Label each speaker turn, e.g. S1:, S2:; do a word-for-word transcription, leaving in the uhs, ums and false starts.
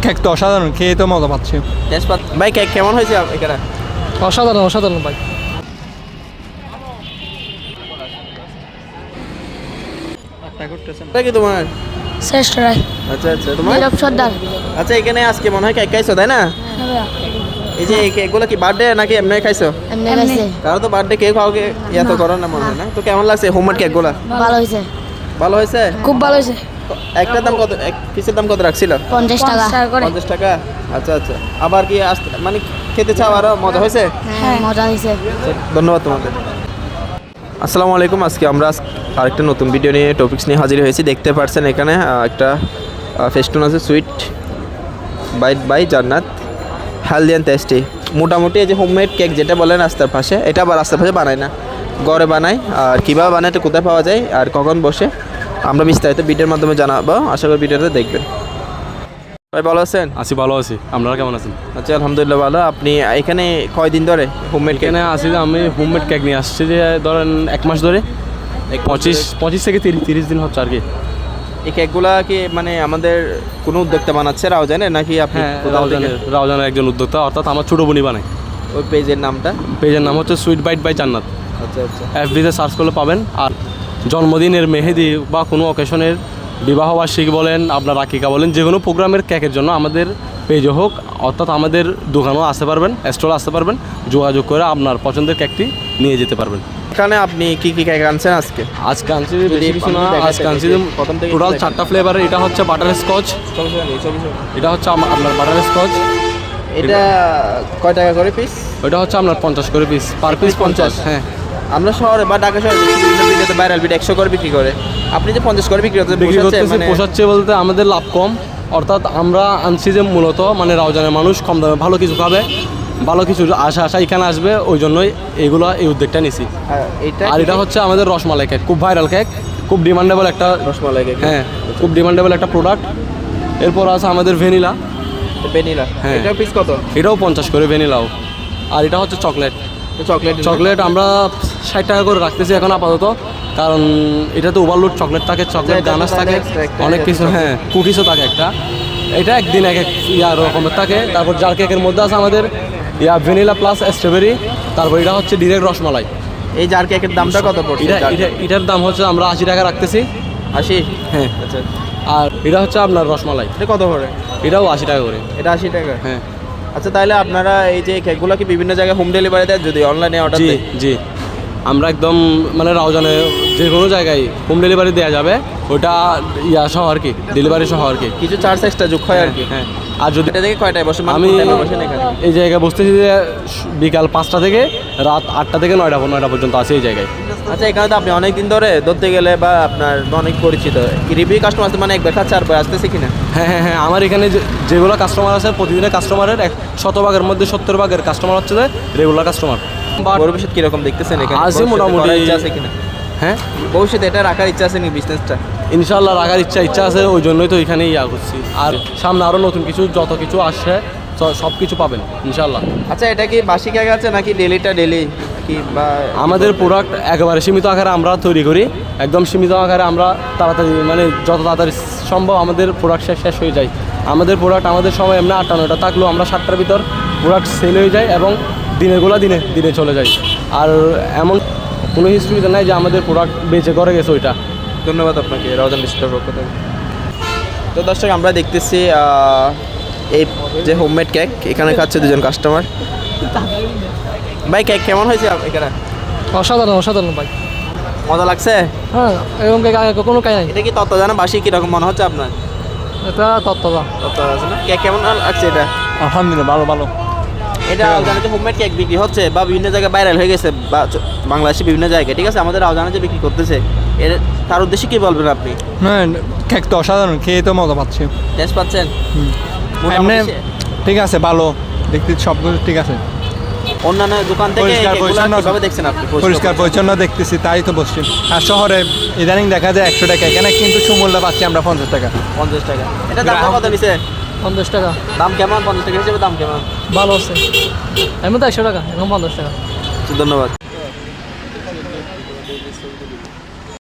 S1: Cake তো অসাধারণ, খেয়ে তো মজা পাচ্ছি।
S2: তেজপাত ভাই কেক কেমন হয়েছে এখানে?
S1: অসাধারণ অসাধারণ ভাই।
S2: এটা কি তোমার?
S3: শ্রেষ্ঠ রায়।
S2: আচ্ছা আচ্ছা তোমার?
S3: নীরব সর্দার।
S2: আচ্ছা এখানে আজকে মনে হয় কেক খাইছো তাই না? এই যে এই কেকগুলো কি বার্থডে নাকি এমনি খাইছো?
S3: এমনি খাইছে।
S2: কারো তো বার্থডে কেক খাওয়াকে এত করো না মনে হয় না। তো কেমন লাগছে হোমমেড কেকগুলো?
S3: ভালো হয়েছে,
S2: ভালো হয়েছে?
S3: খুব ভালো হয়েছে।
S2: একটা দাম কত, এক পিসের দাম কত রাখছিল?
S3: পঞ্চাশ টাকা করে।
S2: পঞ্চাশ টাকা। আচ্ছা আচ্ছা আবার কি আসতে মানে খেতে চাও আরো? মজা হয়েছে?
S3: হ্যাঁ মজা হয়েছে।
S2: ধন্যবাদ তোমাদের। আসসালামু আলাইকুম। আজকে আমরা আরেকটা নতুন ভিডিও নিয়ে টপিকস নিয়ে হাজির হয়েছি। দেখতে পাচ্ছেন এখানে একটা ফেস্টুন আছে, sweet bite by Jannat, healthy and tasty. মোটামুটি এই যে হোমমেড কেক যেটা বলেন রাস্তার পাশে, এটা আবার রাস্তার পাশে বানায় না, ঘরে বানায়। আর কীভাবে বানায়, এটা কোথায় পাওয়া যায় আর কখন বসে, আমরা বিস্তারিত ভিডিওর মাধ্যমে জানাবো। আশা করি ভিডিওটা দেখবেন। ভাই ভালো আছেন?
S4: আছি, ভালো আছি। আপনারা কেমন আছেন?
S2: আচ্ছা আলহামদুলিল্লাহ ভালো। আপনি এখানে কয়দিন ধরে হোমমেড কেক?
S4: এখানে আসি যে আমি হোমমেড কেক নিয়ে আসছি যে ধরেন এক মাস ধরে, পঁচিশ পঁচিশ থেকে তিরিশ তিরিশ দিন হচ্ছে আর কি।
S2: এই কেকগুলা কি মানে আমাদের কোনো উদ্যোক্তা বানাচ্ছে রাউজানের নাকি আপনি?
S4: হ্যাঁ, রাউজানের রাউজানের একজন উদ্যোক্তা, অর্থাৎ আমার ছোটো বোনই বানায়।
S2: ওই পেজের নামটা?
S4: পেজের নাম হচ্ছে সুইট বাইট বাই জান্নাত।
S2: আচ্ছা আচ্ছা।
S4: এফবিতে সার্চ করলে পাবেন। আর জন্মদিনের মেহেদি বা কোনো অকেশনের, বিবাহবার্ষিকী বলেন, আপনার আকিকা বলেন, যে কোনো প্রোগ্রামের কেকের জন্য আমাদের পেজে হোক, অর্থাৎ আমাদের দোকানেও আসতে পারবেন, স্টলে আসতে পারবেন, যোগাযোগ করে আপনার পছন্দের কেকটি নিয়ে যেতে পারবেন।
S2: এখানে আপনি কি কি কেক আনছেন আজকে?
S4: আজকে আনছি বেশি কিছু না, আজকে আনছি টোটাল চারটা ফ্লেভার। এটা হচ্ছে বাটার স্কচ, এটা হচ্ছে আম- আপনার বাটার স্কচ।
S2: এটা কয় টাকা করে পিস?
S4: ওইটা হচ্ছে আপনার পঞ্চাশ করে পিস, পার পিস পঞ্চাশ। হ্যাঁ,
S2: আমরা শহরে বা ঢাকা শহরে দেখি বিভিন্ন ভিডিওতে ভাইরাল ভিডিও একশো করে বিক্রি করে, আপনি যে পঞ্চাশ করে বিক্রি করতে
S4: বিক্রি করতেছি। পোষাচ্ছে বলতে আমাদের লাভ কম, অর্থাৎ আমরা আনছি যে মূলত মানে রাউজানের মানুষ কম দামে ভালো কিছু খাবে, ভালো কিছু আশা আশা এখানে আসবে, ওই জন্যই এইগুলো এই উদ্যোগটা নিছি। আর এটা হচ্ছে আমাদের রসমালাই কেক, খুব ভাইরাল কেক, খুব ডিমান্ডেবল একটা
S2: রসমালাই কেক।
S4: হ্যাঁ, খুব ডিমান্ডেবল একটা প্রোডাক্ট। এরপর আছে আমাদের ভ্যানিলা।
S2: ভ্যানিলা,
S4: হ্যাঁ,
S2: এটার পিস কত?
S4: এটাও পঞ্চাশ করে ভ্যানিলাও। আর এটা হচ্ছে চকলেট।
S2: চকলেট
S4: চকলেট আমরা ষাট টাকা করে রাখতেছি এখন আপাতত, কারণ এটা তো ওভারলোড চকলেট থাকে, চকলেট গানাশ থাকে, অনেক কিছু। হ্যাঁ, কুকিজও থাকে একটা। এটা একদিন এক এক ইয়া রকমের থাকে। তারপর জার কেকের মধ্যে আছে আমাদের ইয়া ভ্যানিলা প্লাস স্ট্রবেরি। তারপর এটা হচ্ছে ডিরেক্ট রসমালাই।
S2: এই জার কেকের দামটা কত পড়ছে?
S4: এটা এটা এটার দাম হচ্ছে আমরা আশি টাকা রাখতেছি।
S2: আশি?
S4: হ্যাঁ।
S2: আচ্ছা।
S4: আর এটা হচ্ছে আপনার রসমালাই,
S2: এটা কত করে?
S4: এটাও আশি টাকা করে।
S2: এটা আশি টাকা?
S4: হ্যাঁ।
S2: আচ্ছা, তাহলে আপনারা এই যে কেকগুলো কি বিভিন্ন জায়গায় হোম ডেলিভারি দেন যদি অনলাইনে অর্ডার
S4: জি
S2: দেন?
S4: জি, আমরা একদম মানে রাউজানে যে কোনো জায়গায় হোম ডেলিভারি দেওয়া যাবে, ওইটা ইয়া সহ আর কি, ডেলিভারি সহ আর কি।
S2: কিছু চার্জ এক্সট্রা যোগ হয় আর কি।
S4: হ্যাঁ। আর যদি
S2: এটা থেকে কয়টায় বসে?
S4: আমি
S2: বসেন এখানে?
S4: এই জায়গায় বসতেছি যে বিকাল পাঁচটা থেকে রাত আটটা থেকে নয়টা নয়টা পর্যন্ত আছে এই জায়গায়।
S2: আচ্ছা, এখানে তো আপনি অনেক দিন ধরে ধরতে গেলে বা আপনার অনেক পরিচিত রিভিউ কাস্টমার আছে, মানে একবার খাচ্ছে আর আসতেছে কিনা?
S4: হ্যাঁ হ্যাঁ হ্যাঁ, আমার এখানে যে- যেগুলো কাস্টমার আছে প্রতিদিনের কাস্টমারের এক শতভাগের মধ্যে সত্তর ভাগের কাস্টমার হচ্ছে যে রেগুলার কাস্টমার।
S2: ভবিষ্যৎ কিরকম দেখতেছেন এখানে?
S4: আছে মোটামুটি।
S2: ইচ্ছা আছে কিনা?
S4: হ্যাঁ,
S2: ভবিষ্যতে এটা রাখার ইচ্ছা আছে নি বিজনেসটা?
S4: ইনশাল্লাহ রাখার ইচ্ছা ইচ্ছা আছে, ওই জন্যই তো এখানে ইয়া করছি। আর সামনে আরও নতুন কিছু যত কিছু আসছে সব কিছু পাবেন ইনশাল্লাহ।
S2: আচ্ছা, এটা কি বাসি কেক আছে নাকি ডেলিটা ডেলি কি? বা
S4: আমাদের প্রোডাক্ট একেবারে সীমিত আকারে আমরা তৈরি করি, একদম সীমিত আকারে আমরা তাড়াতাড়ি মানে যত তাড়াতাড়ি সম্ভব আমাদের প্রোডাক্ট শেষ শেষ হয়ে যায়। আমাদের প্রোডাক্ট আমাদের সময় এমনি আটটা নয়টা থাকলেও আমরা সাতটার ভিতর প্রোডাক্ট সেল হয়ে যায় এবং দিনেরগুলো দিনে দিনে চলে যায়। আর এমন কোনো হিস্ট্রিতে নাই যে আমাদের প্রোডাক্ট বেঁচে করে গেছে ওইটা।
S2: ধন্যবাদ আপনাকে রাউজান ডিস্ট্রিক্টের পক্ষ থেকে। তো দর্শক, আমরা দেখতেছি এই যে হোমমেড কেক এখানে খাচ্ছে দুজন কাস্টমার। ভাই কেক কেমন হয়েছে এখানে?
S1: অসাধারণ অসাধারণ ভাই,
S2: মজা লাগছে?
S1: হ্যাঁ এরকম কেক আগে কখনো খাই নাই।
S2: এটা কি তত্ত্ব জানা বাসি কীরকম মনে হচ্ছে আপনার?
S1: এটা তত্ত্বদা
S2: তত্ত্ব আছে না? কেক কেমন লাগছে এটা?
S1: আলহামদুলিল্লাহ ভালো ভালো।
S2: এটা রাউজানে যে হোমমেড কেক বিক্রি হচ্ছে বা বিভিন্ন জায়গায় ভাইরাল হয়ে গেছে বা বাংলাদেশে বিভিন্ন জায়গায়, ঠিক আছে, আমাদের রাউজানে যে বিক্রি করতেছে, এর তার উদ্দেশ্যে কী বলবেন আপনি?
S1: হ্যাঁ কেক তো অসাধারণ, খেয়ে তো মজা পাচ্ছি।
S2: টেস্ট পাচ্ছেন?
S1: এমনি ঠিক আছে, ভালো দেখতে সব কিছু ঠিক আছে।
S2: অন্যান্য দোকান থেকে
S1: পরিষ্কার
S2: কেকগুলো
S1: পরিচ্ছন্ন
S2: কিভাবে দেখছেন আপনি?
S1: পরিষ্কার পরিচ্ছন্ন দেখতেছি, তাই তো বসছি। আর শহরে ইদানিং দেখা যায় একশো টাকা, এখানে কিন্তু সুমূল্য পাচ্ছি আমরা পঞ্চাশ টাকা।
S2: পঞ্চাশ টাকা। এটা দাম কত নিছে?
S1: পঞ্চাশ টাকা।
S2: দাম কেমন? পঞ্চাশ টাকা হিসেবে দাম কেমন?
S1: ভালো আছে, এমনি তো একশো টাকা, এখন পঞ্চাশ টাকা।
S2: ধন্যবাদ।